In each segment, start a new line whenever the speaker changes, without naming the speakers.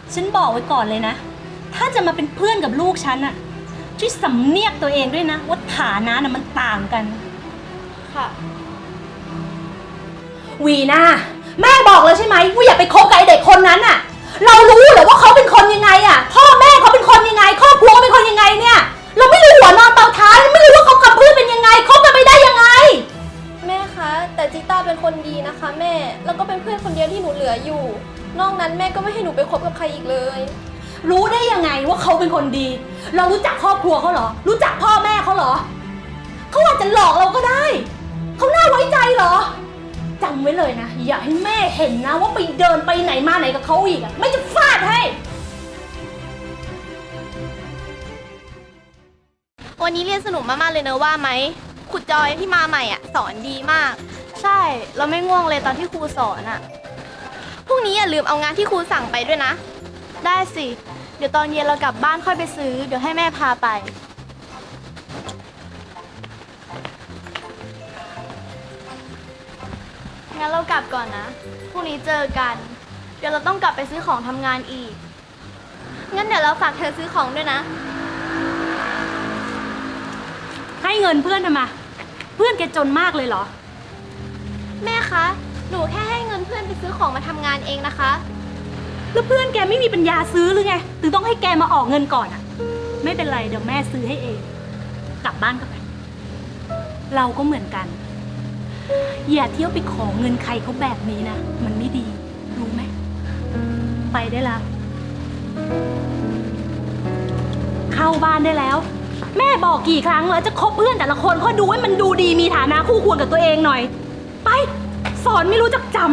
ฉันบอกไว้ก่อนเลยนะถ้าจะมาเป็นเพื่อนกับลูกฉันอะช่วยสำเนียกตัวเองด้วยนะว่าฐานะน่ะมันต่างกัน
ค่ะ
วีน่าแม่บอกแล้วใช่ไหมว่าอย่าไปคบกับไอเด็กคนนั้นอะเรารู้เหรอว่าเขาเป็นคนยังไงอะพ่อแม่เขาเป็นคนยังไงครอบครัวเป็นคนยังไงเนี่ยเราไม่รู้หัวนอนเตาถ่านไม่รู้ว่าเขากับเพื่อนเป็นยังไงคบกันไม่ได้ยังไง
แม่คะแต่จิต้าเป็นคนดีนะคะแม่แล้วก็เป็นเพื่อนคนเดียวที่หนูเหลืออยู่นอกนั้นแม่ก็ไม่ให้หนูไปคบกับใครอีกเลย
รู้ได้ยังไงว่าเขาเป็นคนดี เรารู้จักครอบครัวเขาเหรอรู้จักพ่อแม่เขาเหรอเขาอาจจะหลอกเราก็ได้เขาน่าไว้ใจเหรอจำไว้เลยนะอย่าให้แม่เห็นนะว่าไปเดินไปไหนมาไหนกับเขาอีกอะไม่จะฟาดให้
วันนี้เรียนสนุกมากๆเลยเนอะว่าไหมครูจอยที่มาใหม่อ่ะสอนดีมากใช่เราไม่ง่วงเลยตอนที่ครูสอนอ่ะพรุ่งนี้อย่าลืมเอางานที่ครูสั่งไปด้วยนะได้สิเดี๋ยวตอนเย็นเรากลับบ้านค่อยไปซื้อเดี๋ยวให้แม่พาไปงั้นเรากลับก่อนนะพรุ่งนี้เจอกันเดี๋ยวเราต้องกลับไปซื้อของทำงานอีกงั้นเดี๋ยวเราฝากเธอซื้อของด้วยนะ
ให้เงินเพื่อนทำไมเพื่อนแกจนมากเลยเหรอ
แม่คะหนูแค่ให้เงินเพื่อนไปซื้อของมาทำงานเองนะคะ
แล้วเพื่อนแกไม่มีปัญญาซื้อหรือไงถึงต้องให้แกมาออกเงินก่อนอะไม่เป็นไรเดี๋ยวแม่ซื้อให้เองกลับบ้านกันไปเราก็เหมือนกันอย่าเที่ยวไปขอเงินใครเขาแบบนี้นะมันไม่ดีรู้ไหมไปได้แล้วเข้าบ้านได้แล้วแม่บอกกี่ครั้งแล้วจะคบเพื่อนแต่ละคนก็ดูให้มันดูดีมีฐานะคู่ควรกับตัวเองหน่อยไปสอนไม่รู้จักจำ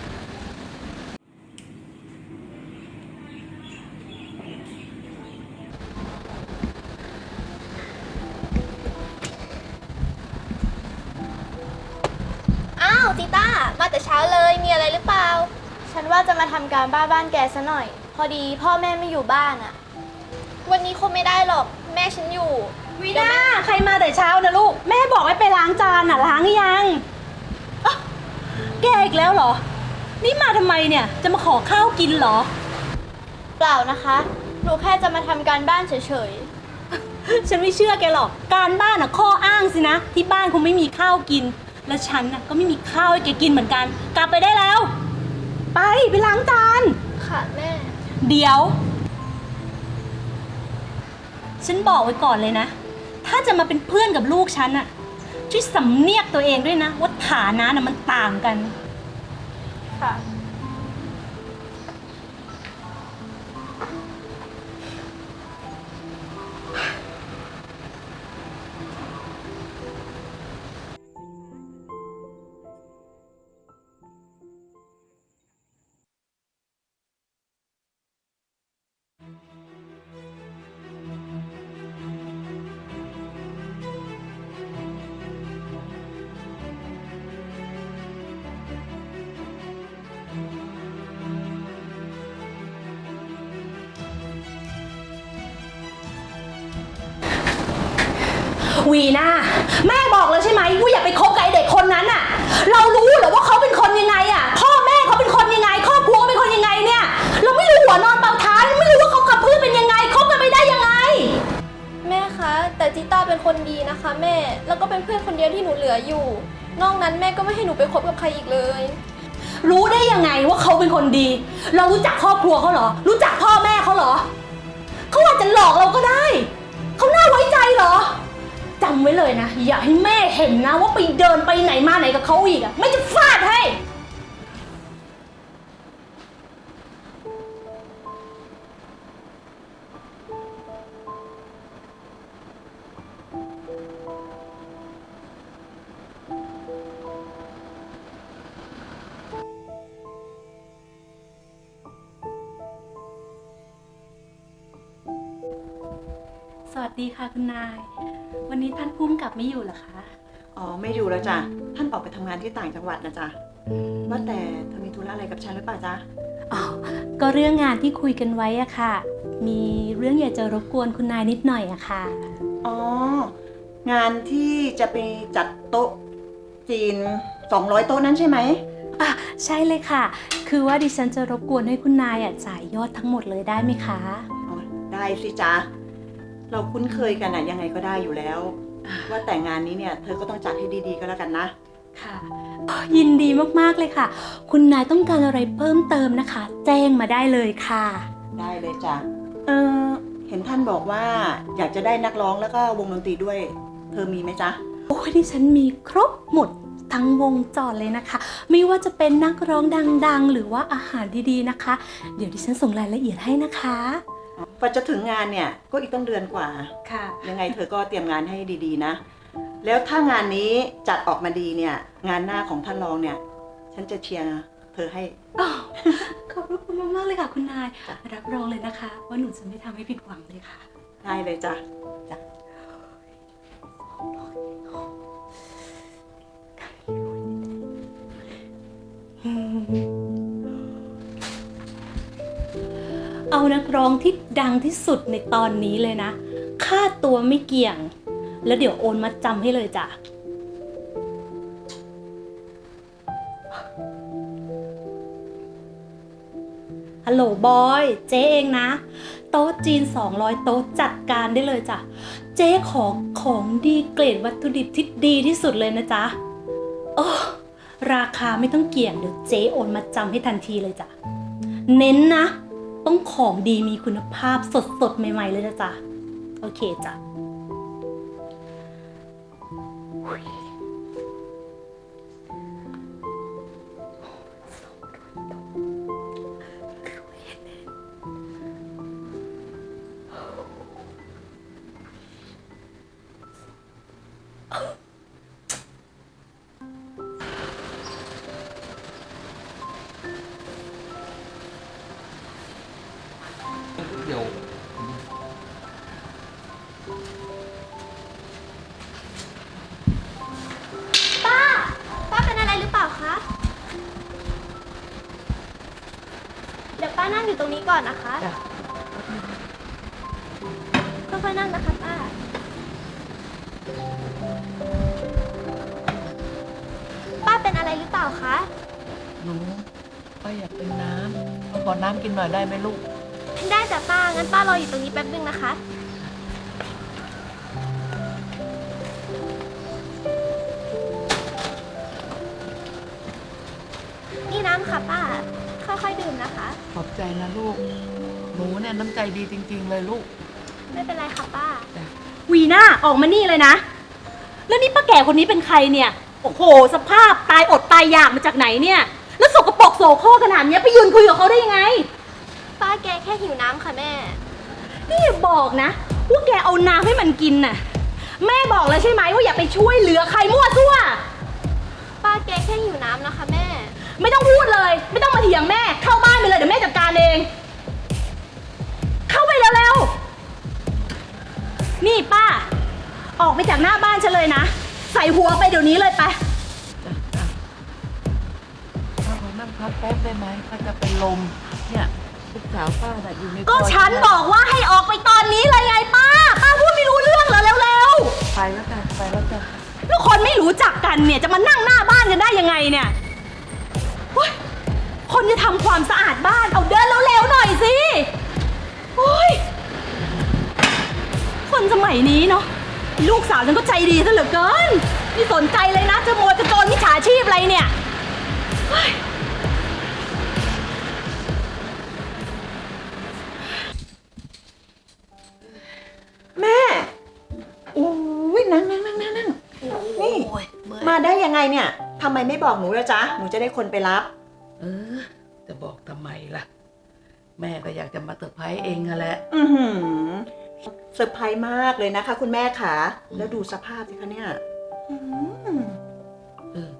อ้าวจิต้ามาแต่เช้าเลยมีอะไรหรือเปล่าฉันว่าจะมาทำการบ้านแกซะหน่อยพอดีพ่อแม่ไม่อยู่บ้านอะวันนี้คงไม่ได้หรอกแม่ฉันอยู่
วีน่าใครมาแต่เช้านะลูกแม่บอกให้ไปล้างจานน่ะล้างหรือยังแกอีกแล้วเหรอนี่มาทำไมเนี่ยจะมาขอข้าวกินเหรอ
เปล่านะคะหนูแค่จะมาทำการบ้านเฉย
ๆฉันไม่เชื่อแกหรอกการบ้านน่ะข้ออ้างสินะที่บ้านคงไม่มีข้าวกินและฉันน่ะก็ไม่มีข้าวให้แกกินเหมือนกันกลับไปได้แล้วไปล้างจาน
ค่ะแม่
เดี๋ยวฉันบอกไว้ก่อนเลยนะถ้าจะมาเป็นเพื่อนกับลูกฉันอะช่วยสำเนียกตัวเองด้วยนะว่าฐานะน่ะมันต่างกัน
ค่ะ
วีน่าแม่บอกแล้วใช่ไหมว่าอย่าไปคบกับไอเด็กคนนั้นอะเรารู้เหรอว่าเขาเป็นคนยังไงอะพ่อแม่เขาเป็นคนยังไงครอบครัวเป็นคนยังไงเนี่ยเราไม่รู้หัวนอนเตาถ่านไม่รู้ว่าเขากับเพื่อนเป็นยังไงคบกันไม่ได้ยังไง
แม่คะแต่จิต้าเป็นคนดีนะคะแม่แล้วก็เป็นเพื่อนคนเดียวที่หนูเหลืออยู่นอกนั้นแม่ก็ไม่ให้หนูไปคบกับใครอีกเลย
รู้ได้ยังไงว่าเขาเป็นคนดีเรารู้จักครอบครัวเขาเหรอรู้จักพ่อแม่เขาเหรอเขาอาจจะหลอกเราก็ได้เขาน่าไว้ใจเหรอจำไว้เลยนะอย่าให้แม่เห็นนะว่าไปเดินไปไหนมาไหนกับเขาอีกอะไม่จะฟาดให้สวัสดีค่ะคุณนายวันนี้ท่านผู้กำกับไม่อยู่เหรอคะ
อ๋อไม่อยู่แล้วจ้ะท่านออกไปทำงานที่ต่างจังหวัดนะจ๊ะว่าแต่เธอมีธุระอะไรกับฉันหรือเปล่าจ๊ะ
อ๋อก็เรื่องงานที่คุยกันไว้อะค่ะมีเรื่องอยากจะรบกวนคุณนายนิดหน่อยอะค่ะ
อ๋องานที่จะไปจัดโต๊ะจีน200 โต๊ะนั้นใช่ไหม
ใช่เลยค่ะคคือว่าดิฉันจะรบกวนให้คุณนายจ่ายยอดทั้งหมดเลยได้ไหมคะ
อ๋อได้สิจ๊ะ เราคุ้นเคยกันอะยังไงก็ได้อยู่แล้ว ว่าแต่งงานนี้เนี่ยเธอก็ต้องจัดให้ดีๆก็แล้วกันนะ
ค่ะยินดีมากๆเลยค่ะ คุณนายต้องการอะไรเพิ่มเติมนะคะ แจ้งมาได้เลยค่ะ
ได้เลยจ้ะ เห็นท่านบอกว่าอยากจะได้นักร้องแล้วก็วงดนตรีด้วย เธอมีไหมจ๊ะ
โอ้ยดิฉันมีครบหมดทั้งวงจรเลยนะคะ ไม่ว่าจะเป็นนักร้องดังๆ หรือว่าอาหารดีๆนะคะ เดี๋ยวดิฉันส่งรายละเอียดให้นะคะ
กว่าจะถึงงานเนี่ยก็อีกต้องเดือนกว่า
ค่ะ
ยังไงเธอก็เตรียมงานให้ดีๆนะ แล้วถ้างานนี้จัดออกมาดีเนี่ย งานหน้าของท่านรองเนี่ย ฉันจะเชียร์เธอให้
ขอบพระคุณมากๆเลยค่ะคุณนายรับรองเลยนะคะ ว่าหนูจะไม่ทำให้ผิดหวังเลยค่ะ
ได้เลยจ้ะจ้ะ
เอานักร้องที่ดังที่สุดในตอนนี้เลยนะ ค่าตัวไม่เกี่ยง แล้วเดี๋ยวโอนมาจำให้เลยจ้ะ ฮัลโหลบอย เจ๊เองนะ โต๊ะจีน200 โต๊ะจัดการได้เลยจ้ะ เจ๊ของดีเกรดวัตถุดิบที่ดีที่สุดเลยนะจ๊ะโอ้ราคาไม่ต้องเกี่ยงเดี๋ยวเจ๊โอนมาจำให้ทันทีเลยจ้ะ เน้นนะ ต้องของดีมีคุณภาพสดๆ ใหม่ๆเลยนะจ๊ะ โอเคจ้ะ
เดี๋ยว
ป้าเป็นอะไรหรือเปล่าคะ เดี๋ยวป้านั่งอยู่ตรงนี้ก่อนนะคะ
จ้ะ
ค่อยๆนั่งนะคะป้า ป้าเป็นอะไรหรือเปล่าคะ
หนูป้าอยากเป็นน้ำขอน้ำกินหน่อยได้ไหมลูก
ได้จ้ะป้า งั้นป้ารออยู่ตรงนี้แป๊บนึงนะคะ นี่น้ำค่ะป้า ค่อยๆดื่มนะคะ
ขอบใจนะลูก หนูเนี่ยน้ำใจดีจริง ๆ เลยลูก
ไม่เป็นไรค่ะป้า
วีน่าออกมานี่เลยนะ แล้วนี่ป้าแก่คนนี้เป็นใครเนี่ย โอ้โห สภาพตายอดตายอยากมาจากไหนเนี่ย แล้วสกปรกโสโครกขนาดเนี้ยไปยืนคุยกับเขาได้ยังไง
ป้าแกแค่หิวน้ำค่ะแม่
นี่อย่าบอกนะว่าแกเอาน้ำให้มันกินน่ะ แม่บอกแล้วใช่ไหมว่าอย่าไปช่วยเหลือใครมั่วซั่ว
ป้าแกแค่หิวน้ำนะคะแม่
ไม่ต้องพูดเลย ไม่ต้องมาเถียงแม่ เข้าบ้านไปเลยเดี๋ยวแม่จัดการเอง เข้าไปเร็วๆนี่ป้า ออกไปจากหน้าบ้านฉันเลยนะ ใส่หัวไปเดี๋ยวนี้เลยไป
จ้ะจ้ะป้าขอนั่งพักแป๊บได้ไหมป้าจะเป็นลม เนี่ยลูกสาวป้าน่ะอยู่ใน
ก็
ซอย
ฉันบอกว่าให้ออกไปตอนนี้เลยไงป้า ป้าพูดไม่รู้เรื่องเหรอเร็ว
ไปแล้วจ้ะไปแล้วจ้ะ
ๆแล้วคนไม่รู้จักกันเนี่ยจะมานั่งหน้าบ้านกันได้ยังไงเนี่ยโอ๊ยคนจะทำความสะอาดบ้านเอาเดินเร็วๆหน่อยสิโอ๊ยคนสมัยนี้เนาะลูกสาวฉันก็ใจดีซะเหลือเกินไม่สนใจเลยนะจะโมยจะโจรมิจฉาชีพอะไรเนี่ยเฮ้ย
แม่โอ้ยนั่งนี่ มาได้ยังไงเนี่ยทำไมไม่บอกหนูล่ะจ๊ะ หนูจะได้คนไปรับ
จะบอกทำไมล่ะ แม่ก็อยากจะมาเซอร์ไพรส์เองอะแหละ
อือหือเซอร์ไพรส์มากเลยนะคะ คุณแม่ขาแล้วดูสภาพสิคะเนี่ยอื้อหือ
เออ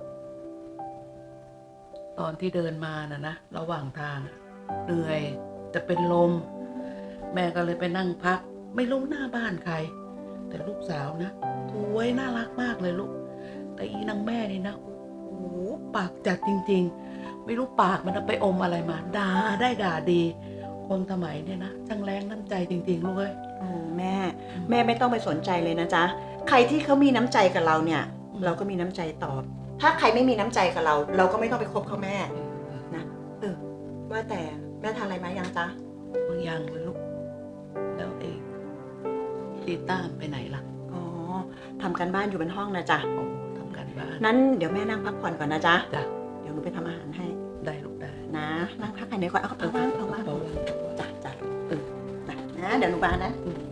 ตอนที่เดินมานะระหว่างทางอะเหนื่อยจะเป็นลม แม่ก็เลยไปนั่งพัก ไม่รู้หน้าบ้านใคร แต่ลูกสาวนะสวยน่ารักมากเลยลูก แต่อีนางแม่นี่นะโอ้โหปากจัดจริงๆ ไม่รู้ปากมันไปอมอะไรมาด่าได้ด่าดี คนสมัยเนี่ยนะช่างแรงน้ำใจจริงๆลูกเอ้ย
โอ้แม่ไม่ต้องไปสนใจเลยนะจ๊ะใครที่เขามีน้ำใจกับเราเนี่ย เราก็มีน้ำใจตอบ ถ้าใครไม่มีน้ำใจกับเรา เราก็ไม่ต้องไปคบเขาแม่นะว่าแต่แม่ทานอะไรมายังจ๊ะ
บางอย่างเลยลูก แล้วเองตีต้ามไปไหนล่ะ
อ๋อทำกันบ้านอยู่บนห้องนะจ๊ะ
โอ้ทำการบ้าน
นั้นเดี๋ยวแม่นั่งพักผ่อนก่อนนะจ๊ะ
จ้ะ
เดี๋ยวหนูไปทำอาหารให้
ได้ลูกได้
นะ นั่งพักกันเดี๋ยวก่อนเอากระเป๋าว่างกระเป๋าว่าง
เบาๆ
จ้ะจ้ะนะเดี๋ยวหนูมานะ
อืม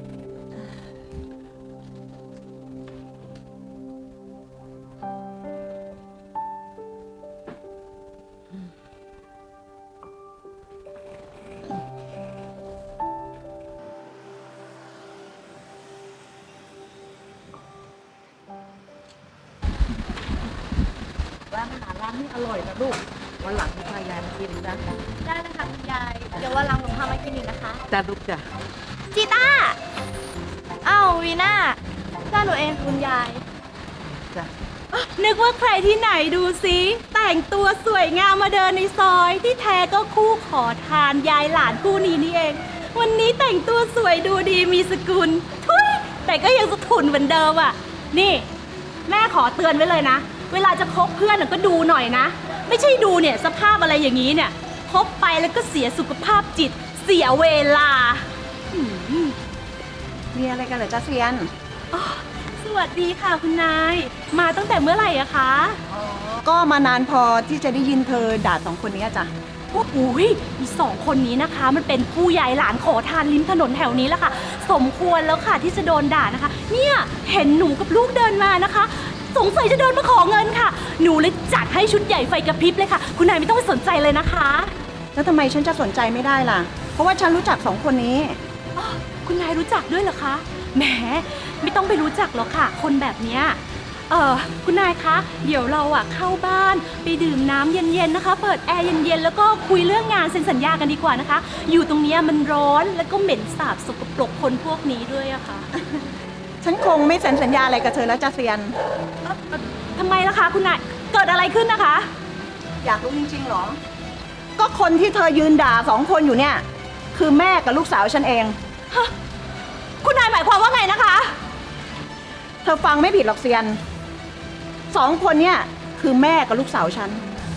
ร้านอาหารร้านนี้อร่อยนะลูก วันหลังพายายมากินนะ
ได้เลยค่ะคุณยาย เดี๋ยววันหลังหนูพามากินอีกนะคะ
จ้าลูกจ้ะ
จีต้าอ้าววีน่าจ้าหนูเองคุณยาย
จ้ะ
นึกว่าใครที่ไหนดูสิแต่งตัวสวยงามมาเดินในซอยที่แท้ก็คู่ขอทานยายหลานคู่นี้นี่เอง วันนี้แต่งตัวสวยดูดีมีสกุลทุยแต่ก็ยังสะทุนเหมือนเดิมอ่ะ นี่ แม่ขอเตือนไว้เลยนะ เวลาจะคบเพื่อนน่ะก็ดูหน่อยนะ ไม่ใช่ดูเนี่ยสภาพอะไรอย่างนี้เนี่ยคบไปแล้วก็เสียสุขภาพจิต เสียเวลาอืม
มีอะไรกันเหรอจ๊ะเซียน
อ๋อสวัสดีค่ะคุณนาย มาตั้งแต่เมื่อไหร่อะคะ
ก็มานานพอที่จะได้ยินเธอด่าสองคนนี้จ้ะ
โอ้โหอีสองคนนี้นะคะ มันเป็นผู้ยายหลานขอทานริมถนนแถวนี้แหละค่ะ สมควรแล้วค่ะที่จะโดนด่านะคะ เนี่ยเห็นหนูกับลูกเดินมานะคะ สงสัยจะเดินมาขอเงินค่ะ หนูเลยจัดให้ชุดใหญ่ไฟกระพริบเลยค่ะ คุณนายไม่ต้องไปสนใจเลยนะคะ
แล้วทำไมฉันจะสนใจไม่ได้ล่ะ เพราะว่าฉันรู้จักสองคนนี้
อ้อคุณนายรู้จักด้วยเหรอคะ แหม ไม่ต้องไปรู้จักหรอกค่ะ คนแบบเนี้ยคุณนายคะ เดี๋ยวเราอะเข้าบ้านไปดื่มน้ำเย็นๆนะคะ เปิดแอร์เย็นๆ แล้วก็คุยเรื่องงานเซ็นสัญญากันดีกว่านะคะ อยู่ตรงเนี้ยมันร้อนแล้วก็เหม็นสาบสกปรกคนพวกนี้ด้วยอะค่ะ
ฉันคงไม่เซ็นสัญญาอะไรกับเธอแล้วจ้ะเซียน
ทำไมล่ะคะคุณนาย เกิดอะไรขึ้นนะคะ
อยากรู้จริงๆเหรอ ก็คนที่เธอยืนด่าสองคนอยู่เนี่ย คือแม่กับลูกสาวฉันเอง
คุณนายหมายความว่าไงนะคะ
เธอฟังไม่ผิดหรอกเซียนสองคนเนี่ยคือแม่กับลูกสาวฉัน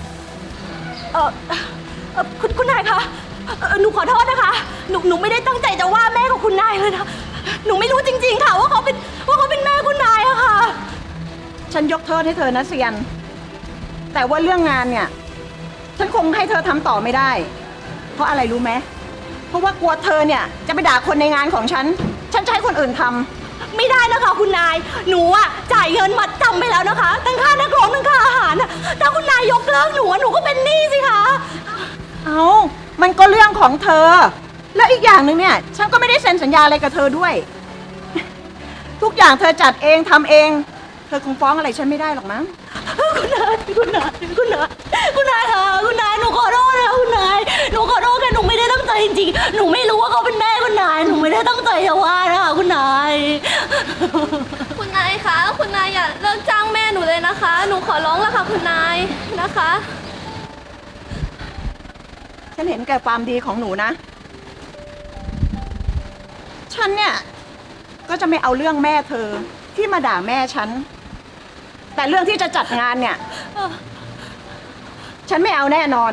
คุณนายคะหนูขอโทษนะคะ หนูไม่ได้ตั้งใจจะว่าแม่ของคุณนายเลยนะ หนูไม่รู้จริงๆค่ะว่าเขาเป็นแม่คุณนายอะค่ะ
ฉันยกโทษให้เธอนะเซียน แต่ว่าเรื่องงานเนี่ย ฉันคงให้เธอทำต่อไม่ได้ เพราะอะไรรู้ไหมเพราะว่ากลัวเธอเนี่ยจะไปด่าคนในงานของฉันจะให้คนอื่นทำ
ไม่ได้นะคะคุณนาย หนูอะจ่ายเงินมัดจำไปแล้วนะคะทั้งค่านักร้องทั้งค่าอาหารน่ะถ้าคุณนายยกเลิกหนูอะหนูก็เป็นหนี้สิคะ
เอามันก็เรื่องของเธอ แล้วอีกอย่างหนึ่งเนี่ย ฉันก็ไม่ได้เซ็นสัญญาอะไรกับเธอด้วย ทุกอย่างเธอจัดเองทำเอง เธอคงฟ้องอะไรฉันไม่ได้หรอกมั้ง
คุณนายค่ะคุณนายค่ะคุณนายหนูขอโทษนะคุณนายหนูขอโทษค่ะหนูไม่ได้ตั้งใจจริงๆหนูไม่รู้ว่าเขาเป็นแม่คุณนายหนูไม่ได้ตั้งใจจะว่านะคะคุณนาย
คุณนายคะคุณนายอย่าเลิกจ้างแม่หนูเลยนะคะ หนูขอร้องแล้วค่ะคุณนายนะคะ
ฉันเห็นแก่ความดีของหนูนะ ฉันเนี่ยก็จะไม่เอาเรื่องแม่เธอที่มาด่าแม่ฉัน แต่เรื่องที่จะจัดงานเนี่ย ฉันไม่เอาแน่นอน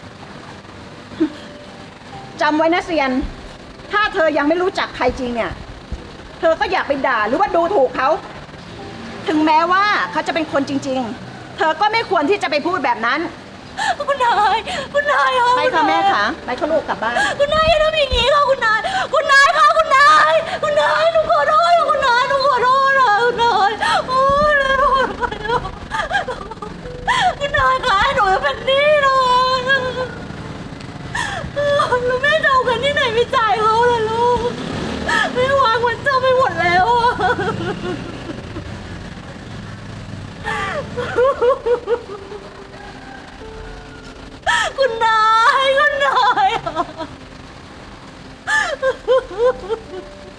จำไว้นะเซียน ถ้าเธอยังไม่รู้จักใครจริงเนี่ย เธอก็อย่าไปด่าหรือว่าดูถูกเขา ถึงแม้ว่าเขาจะเป็นคนจริง ๆ เธอก็ไม่ควรที่จะไปพูดแบบนั้น
คุณนายค่ะ
ไปค่ะแม่ค่ะไปค่ะลูกกลับบ้าน
คุณนายอย่าทำอย่างนี้ค่ะคุณนายค่ะคุณนายหนูขอโทษค่ะคุณนายหนูขอโทษค่ะคุณนายโอ้ยคุณนายคะหนูเป็นหนี้นะแล้วแม่จะเอาเงินที่ไหนไปจ่ายเขาล่ะลูกแม่วางมันเจ้าไปหมดแล้วอะ คุณนาย